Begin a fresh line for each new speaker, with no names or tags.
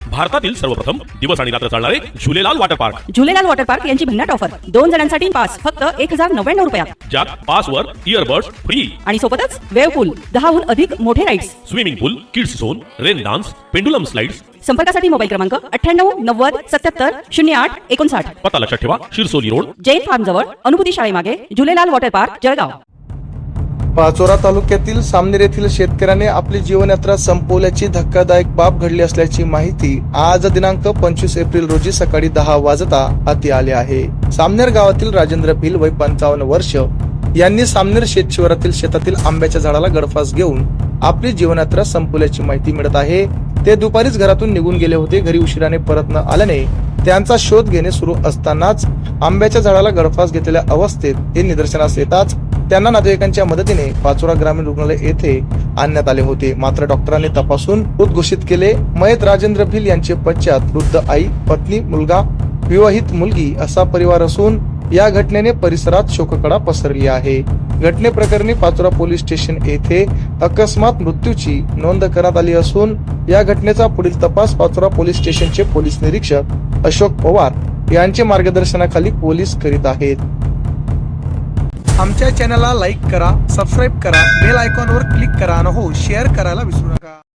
भारतातील सर्वप्रथम दिवस आणि रात्र चालणारे Jhulelal water park.
Jhulelal water park यांची भन्नाट ऑफर 2 जणांसाठी पास फक्त 1099 रुपयात.
ज्यात पासवर इयरबड्स फ्री
आणि सोबतच वेव पूल, 10हून अधिक मोठे rides,
swimming pool, kids zone, rain dance, pendulum slides.
संपर्कासाठी मोबाईल क्रमांक 98 90 77 08 59.
पत्ता लक्षात ठेवा, शिरसोली रोड,
जैन फार्म जवळ, अनुभूती शाळेमागे, झुलेलाल वॉटर पार्क, जळगाव.
पाचोरा तालुक्यातील सामनेर येथील शेतकऱ्याने आपली जीवनयात्रा संपवल्याची धक्कादायक बाब घडली असल्याची माहिती आज दिनांक 25 एप्रिल रोजी सकाळी 10 वाजता हाती आले आहे. सामनेर गावातील राजेंद्र भिल वय 55 वर्ष यांनी सामनेर शेतशिवारातील शेतातील आंब्याच्या झाडाला गळफास घेऊन आपली जीवनयात्रा संपवल्याची माहिती मिळत आहे. ते दुपारीच घरातून निघून गेले होते. घरी उशिराने परत न आल्याने त्यांचा शोध घेणे सुरू असतानाच आंब्याच्या झाडाला गळफास घेतलेल्या अवस्थेत हे निदर्शनास येताच त्यांना नातेवाईकांच्या मदतीने पाचोरा ग्रामीण रुग्णालय येथे आणण्यात आले होते. मात्र डॉक्टरांनी तपासून मृत घोषित केले. मयत राजेंद्र भिल यांचे पश्चात वृद्ध आई, पत्नी, मुलगा, विवाहित मुलगी असा परिवार असून या घटनेने परिसरात शोककळा पसरली आहे. घटनेप्रकरणी पाचोरा पोलीस स्टेशन येथे अकस्मात मृत्यूची नोंद करण्यात आली असून या घटनेचा पुढील तपास पाचोरा पोलीस स्टेशनचे पोलीस निरीक्षक अशोक पवार यांच्या मार्गदर्शनाखाली पोलीस करीत आहेत. आमच्या चॅनलला लाईक करा, सबस्क्राईब करा, बेल आयकॉनवर क्लिक करा आणि हो शेअर करायला विसरू नका.